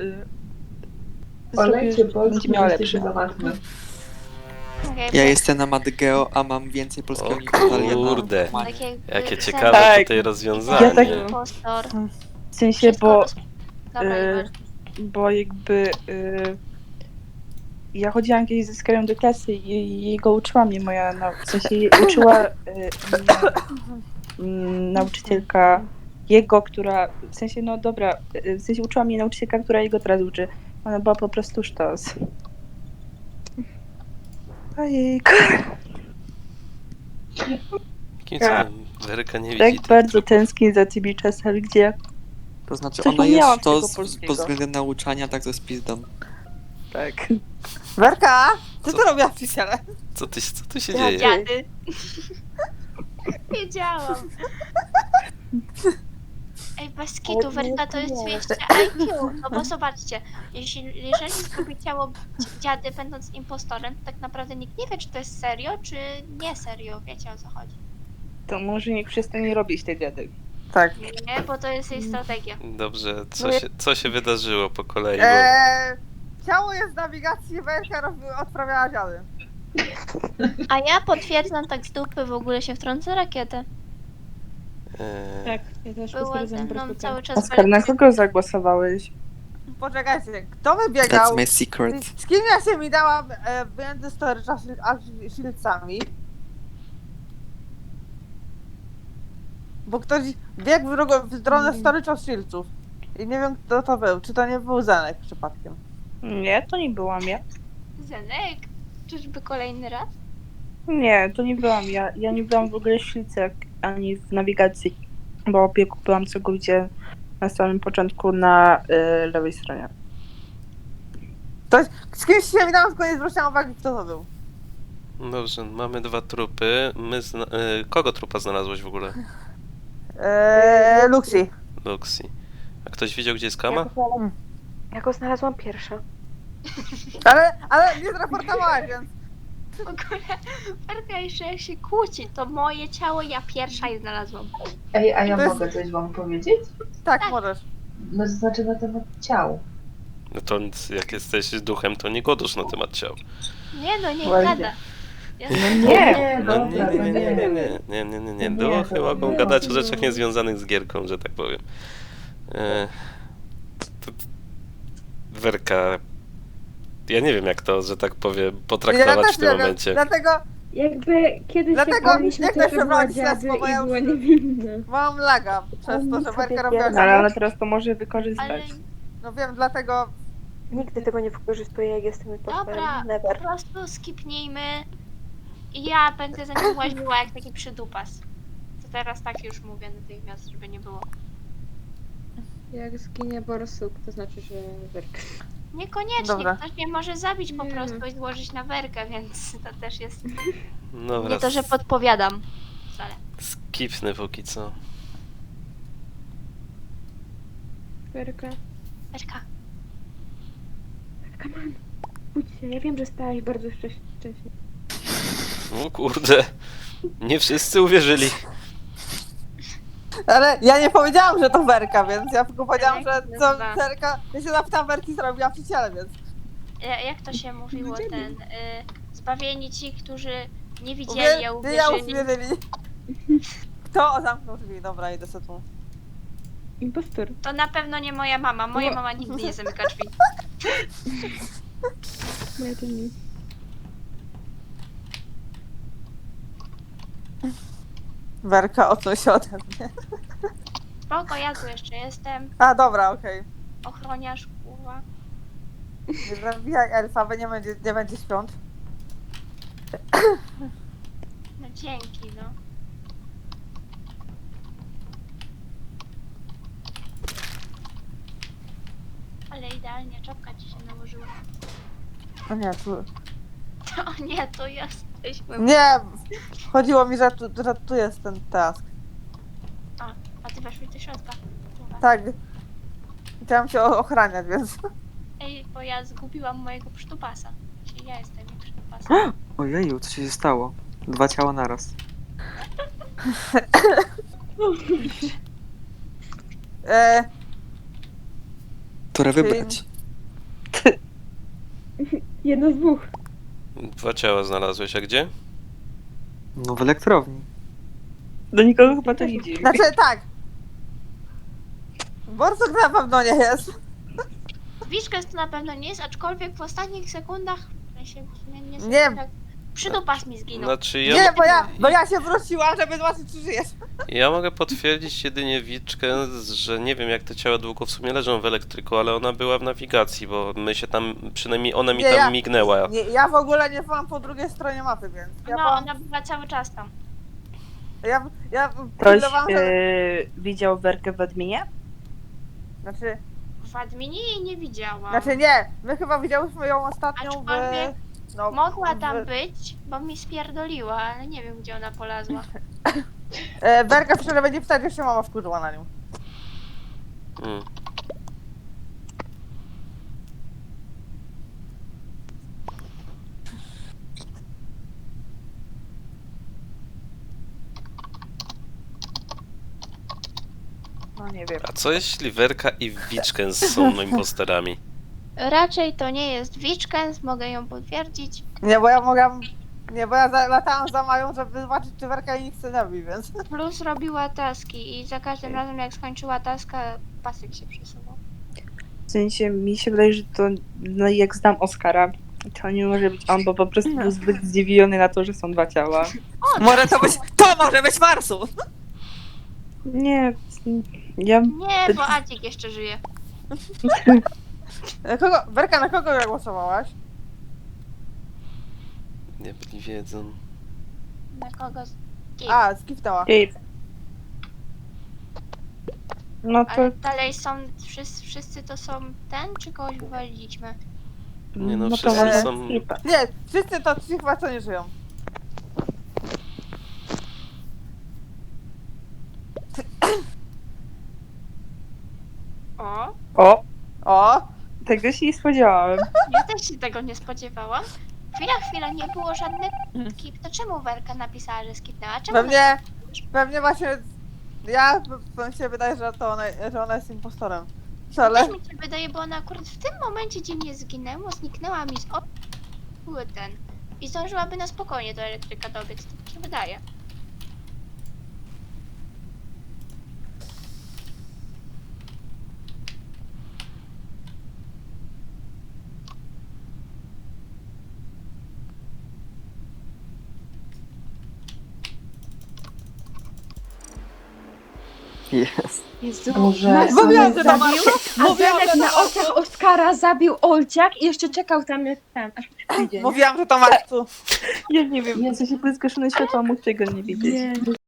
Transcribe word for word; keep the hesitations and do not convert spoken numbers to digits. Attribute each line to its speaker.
Speaker 1: y,
Speaker 2: Olejcie
Speaker 1: zrobię,
Speaker 2: Polskę,
Speaker 1: będzie miała
Speaker 2: jesteście
Speaker 1: lepsze.
Speaker 2: za łatwe.
Speaker 3: Okay,
Speaker 4: Ja jestem na Madgeo, a mam więcej polskiego
Speaker 5: O
Speaker 4: niż Natalia na
Speaker 5: kurde.
Speaker 4: normalnie.
Speaker 3: tak jakby
Speaker 5: Jakie
Speaker 3: za-
Speaker 5: ciekawe
Speaker 1: Tak.
Speaker 5: tutaj
Speaker 1: Ja
Speaker 5: rozwiązanie.
Speaker 1: tak-
Speaker 3: impostor.
Speaker 1: W sensie,
Speaker 3: Wszystko
Speaker 1: bo,
Speaker 3: roz... Dobra,
Speaker 1: y,
Speaker 3: nieważne.
Speaker 1: bo jakby y, ja chodziłam kiedyś ze Skyrim do klasy i jego uczyła mnie moja, nau- w sensie jej uczyła y, mnie mm, nauczycielka jego, która, w sensie, no dobra, y, w sensie uczyła mnie nauczycielka, która jego teraz uczy. Ona była po prostu sztos. Ojejku.
Speaker 5: Jakim cudem Weryka nie widzi
Speaker 1: Tak
Speaker 5: tych
Speaker 1: bardzo
Speaker 5: trupów.
Speaker 1: tęsknię za tymi czasami, gdzie
Speaker 4: To znaczy
Speaker 1: Coś
Speaker 4: ona
Speaker 1: umiałam
Speaker 4: jest to
Speaker 1: z tego
Speaker 4: z,
Speaker 1: polskiego.
Speaker 4: pod względem nauczania, tak to jest pizdą.
Speaker 1: tak.
Speaker 6: Werka, co
Speaker 5: Co?
Speaker 6: ty robiłaś w ciele?
Speaker 5: Co, ty, co tu się
Speaker 6: Ja
Speaker 5: dzieje?
Speaker 3: Dziady. Wiedziałam. Ej, bez kitu, Werka to jest dwieście I Q. No bo zobaczcie, jeśli, jeżeli zgubi ciało dziady będąc impostorem, to tak naprawdę nikt nie wie, czy to jest serio, czy nie serio. Wiecie, o co chodzi.
Speaker 1: To może niech przestanie robić te dziady.
Speaker 6: Tak.
Speaker 3: Nie, bo to jest jej strategia.
Speaker 5: Dobrze, co
Speaker 6: No ja-
Speaker 5: się, co się wydarzyło po kolei? Bo...
Speaker 6: Eee, ciało jest w nawigacji, Werka robi, odprawiała dziady.
Speaker 3: A ja potwierdzam tak z dupy, w ogóle się wtrącę rakietę.
Speaker 5: E,
Speaker 7: Tak, ja też
Speaker 3: Była ze
Speaker 7: potwierdzam
Speaker 3: mną
Speaker 7: bardzo.
Speaker 3: cały czas
Speaker 1: Oskar, na
Speaker 3: Werka.
Speaker 1: kogo zagłosowałeś?
Speaker 6: Poczekajcie, kto
Speaker 4: That's
Speaker 6: wybiegał?
Speaker 4: my secret.
Speaker 6: Z kim ja się mi dałam e, między storage'a a shieldsami? Bo ktoś biegł w, drugą, w stronę storage'a shieldsów. I nie wiem, kto to był. Czy to nie był Zenek przypadkiem?
Speaker 1: Nie, to nie byłam ja.
Speaker 3: Zenek? Czyżby kolejny raz?
Speaker 1: Nie, to nie byłam ja. Ja nie byłam w ogóle w ślice ani w nawigacji, bo opieku byłam całkowicie na samym początku na y, lewej stronie.
Speaker 6: Ktoś, z kimś się mi dałam, tylko nie zwróciłam uwagi, kto to był.
Speaker 5: Dobrze, mamy dwa trupy. My zna... e, kogo trupa znalazłeś w ogóle?
Speaker 6: Eee, Luxi.
Speaker 5: Luxi. A ktoś widział, gdzie jest Kama?
Speaker 7: Ja go znalazłam pierwsza.
Speaker 6: Ale, ale nie zraportowałaś, więc...
Speaker 3: W ogóle Werka jeszcze jak się kłóci, to moje ciało ja pierwsza je znalazłam.
Speaker 2: Ej, a ja
Speaker 6: To jest-
Speaker 2: mogę coś wam powiedzieć?
Speaker 6: Tak,
Speaker 3: Tak.
Speaker 6: możesz.
Speaker 2: No to znaczy na temat ciał.
Speaker 5: No to nic, jak jesteś duchem, to nie godusz na temat ciał.
Speaker 3: Nie no, nie
Speaker 1: Ładnie.
Speaker 3: gada. Ja
Speaker 1: No
Speaker 2: Nie,
Speaker 1: nie!
Speaker 5: No nie,
Speaker 2: dobra,
Speaker 5: nie,
Speaker 2: to
Speaker 5: nie, nie, nie,
Speaker 2: nie.
Speaker 5: nie, nie, nie, nie.
Speaker 2: Nie,
Speaker 5: Duchy
Speaker 2: to
Speaker 5: mogą
Speaker 2: nie.
Speaker 5: gadać o rzeczach niezwiązanych z gierką, że tak powiem. E, to, Werka, ja nie wiem jak to, że tak powiem, potraktować w tym
Speaker 6: nie wiem,
Speaker 5: momencie.
Speaker 6: Dlatego
Speaker 7: Jakby kiedyś
Speaker 6: Dlatego
Speaker 7: jak byliśmy,
Speaker 6: jak
Speaker 7: to
Speaker 6: też
Speaker 7: była
Speaker 6: wybrać
Speaker 7: dziady
Speaker 6: śledztwo, bo
Speaker 7: i
Speaker 6: ja
Speaker 7: była
Speaker 6: już-
Speaker 7: niewinna.
Speaker 6: mam laga przez to, że Werka robiła
Speaker 1: No, ale
Speaker 6: dziady.
Speaker 1: ona teraz to może
Speaker 3: Ale
Speaker 1: wykorzystać.
Speaker 6: No wiem, dlatego...
Speaker 7: Nigdy tego nie wykorzystuję, jak jestem impostorem.
Speaker 3: dobra, po
Speaker 7: Never.
Speaker 3: prostu skipnijmy i ja będę za nim łaziła jak taki przydupas. To teraz tak już mówię natychmiast, żeby nie było.
Speaker 7: Jak zginie borsuk, to znaczy, że Werka.
Speaker 3: Niekoniecznie,
Speaker 6: Dobra.
Speaker 3: ktoś mnie może zabić po
Speaker 7: Nie.
Speaker 3: prostu i złożyć na werkę, więc to też jest...
Speaker 5: Dobra,
Speaker 3: Nie to, że podpowiadam. Wcale.
Speaker 5: skipnę póki co.
Speaker 7: Werka.
Speaker 3: Werka,
Speaker 7: Come on. Budź się, ja wiem, że stałaś bardzo wcześnie. wcześnie.
Speaker 5: O kurde, nie wszyscy uwierzyli.
Speaker 6: Ale ja nie powiedziałam, że to Werka, więc ja tylko powiedziałam, że
Speaker 3: Jak
Speaker 6: co
Speaker 3: nazywa?
Speaker 6: Werka... Ja się zapytałam Werki, co robiła przy ciele, więc...
Speaker 3: ja- jak to się mówiło, ten... Y, zbawieni ci, którzy nie widzieli,
Speaker 6: Uwie...
Speaker 3: a
Speaker 6: Ty ja
Speaker 3: uwierzyli.
Speaker 6: uwierzyli. Kto zamknął drzwi? Dobra, idę sobie tu.
Speaker 7: Impostor.
Speaker 3: To na pewno nie moja mama. Moja
Speaker 7: No.
Speaker 3: mama nigdy nie zamyka drzwi.
Speaker 7: Moja to nie.
Speaker 6: Werka, odsuń się ode mnie.
Speaker 3: Spoko, ja tu jeszcze jestem.
Speaker 6: A, dobra, okej.
Speaker 3: Ochroniarz, kurwa.
Speaker 6: Nie zabijaj elfa, bo nie będzie, nie będzie świąt.
Speaker 3: No dzięki, no. Ale idealnie czapka ci się nałożyła.
Speaker 6: O nie, tu...
Speaker 3: O nie, to jesteśmy.
Speaker 6: Nie! Chodziło mi, że tu, że tu jest ten task.
Speaker 3: A ty weszłeś do środka. Dobra.
Speaker 6: Tak. Chciałam się o- ochraniać, więc...
Speaker 3: Ej, bo ja zgubiłam mojego przytupasa. Czyli ja jestem jej przytupasem.
Speaker 4: Ojeju, co się stało? Dwa ciała naraz.
Speaker 6: E,
Speaker 4: Które
Speaker 6: Czyli-
Speaker 4: wybrać?
Speaker 7: Jedno z dwóch.
Speaker 5: Dwa ciała znalazłeś, a gdzie?
Speaker 4: No w elektrowni.
Speaker 1: Do nikogo chyba to nie dziwi.
Speaker 6: Znaczy tak. Borsuk na pewno nie jest.
Speaker 3: Wiszkes to na pewno nie jest, aczkolwiek w ostatnich sekundach, w sensie, nie, nie,
Speaker 6: Nie.
Speaker 3: sekundach, przydupas mi zginął.
Speaker 5: Znaczy ja,
Speaker 6: Nie, bo ja, bo ja się wróciłam, żeby zobaczyć, czy żyjesz.
Speaker 5: ja mogę potwierdzić jedynie Wiczkę, że nie wiem jak te ciała długo w sumie leżą w elektryku, ale ona była w nawigacji, bo my się tam, przynajmniej ona mi
Speaker 6: Nie,
Speaker 5: tam
Speaker 6: ja-
Speaker 5: mignęła.
Speaker 6: Nie, ja w ogóle nie byłam po drugiej stronie mapy, więc. Ja
Speaker 3: No,
Speaker 6: byłam,
Speaker 3: ona była cały czas tam.
Speaker 6: ja, ja
Speaker 1: Ktoś
Speaker 6: pilnowałam, że-
Speaker 1: yy, widział Werkę w adminie?
Speaker 6: Znaczy,
Speaker 3: W adminie jej nie widziałam.
Speaker 6: znaczy nie, my chyba widziałyśmy ją ostatnią w...
Speaker 3: Aczkolwiek
Speaker 6: No,
Speaker 3: Mogła
Speaker 6: w-
Speaker 3: tam być, bo mi spierdoliła, ale nie wiem gdzie ona polazła.
Speaker 6: E, Berka wczoraj będzie pytać, jak się mama wkurzyła na nią.
Speaker 5: Mm.
Speaker 1: No nie wiem.
Speaker 5: A co jeśli Werka i Wiczkę są imposterami?
Speaker 3: Raczej to nie jest Wiczkens, mogę ją potwierdzić.
Speaker 6: Nie, bo ja mogłam... Nie, bo ja za, latałam za Mają, żeby zobaczyć, czy Werka jej nic nie robi, więc...
Speaker 3: Plus robiła taski i za każdym razem jak skończyła taska, pasek się przesuwał.
Speaker 1: W sensie mi się wydaje, że to, no jak znam Oskara, to nie może być on, bo po prostu był zbyt zdziwiony na to, że są dwa ciała.
Speaker 6: Może to być... To może być Marsu!
Speaker 1: Nie, ja...
Speaker 3: Nie, bo Adzik jeszcze żyje.
Speaker 6: E, Kogo... Werka, na kogo głosowałaś?
Speaker 5: Nie byli wiedzą.
Speaker 3: Na kogo? z-
Speaker 6: A, skipnęła.
Speaker 1: Ej. No to...
Speaker 3: Ale dalej są, wszyscy, wszyscy to są ten, czy kogoś wywaliliśmy?
Speaker 5: Nie no,
Speaker 1: to
Speaker 5: wszyscy
Speaker 1: może
Speaker 5: są-
Speaker 1: skipa.
Speaker 6: Nie, wszyscy to ci chyba co nie żyją.
Speaker 3: O,
Speaker 1: O,
Speaker 6: O!
Speaker 1: tego się nie spodziewałem.
Speaker 3: ja też się tego nie spodziewałam. Chwila, chwila, nie było żadnych skip. To czemu Werka napisała, że skipnęła? Czemu
Speaker 6: Pewnie... Pewnie właśnie... Ja... Mi się wydaje, że to ona, że ona jest impostorem. Ale...
Speaker 3: Też mi się wydaje, bo ona akurat w tym momencie, gdzie mnie zginęło, zniknęła mi z oczu były ten. I zdążyłaby na spokojnie do elektryka dobiec, tak mi się wydaje.
Speaker 4: Jest.
Speaker 7: Jezu,
Speaker 2: A może-
Speaker 7: Marcin
Speaker 6: Mówiłam,
Speaker 7: mnie
Speaker 6: że to
Speaker 7: zabił,
Speaker 6: Marcin!
Speaker 7: a
Speaker 6: Mówiłam,
Speaker 7: Zenek
Speaker 6: że
Speaker 7: na
Speaker 6: to
Speaker 7: oczach Oskara zabił Olciak i jeszcze czekał tam jak ten, aż przyjdzie, nie?
Speaker 6: Mówiłam, że to Marsu.
Speaker 1: Ja nie wiem, w sensie były zgaszone światła, mógł tego nie widzieć.
Speaker 7: Nie.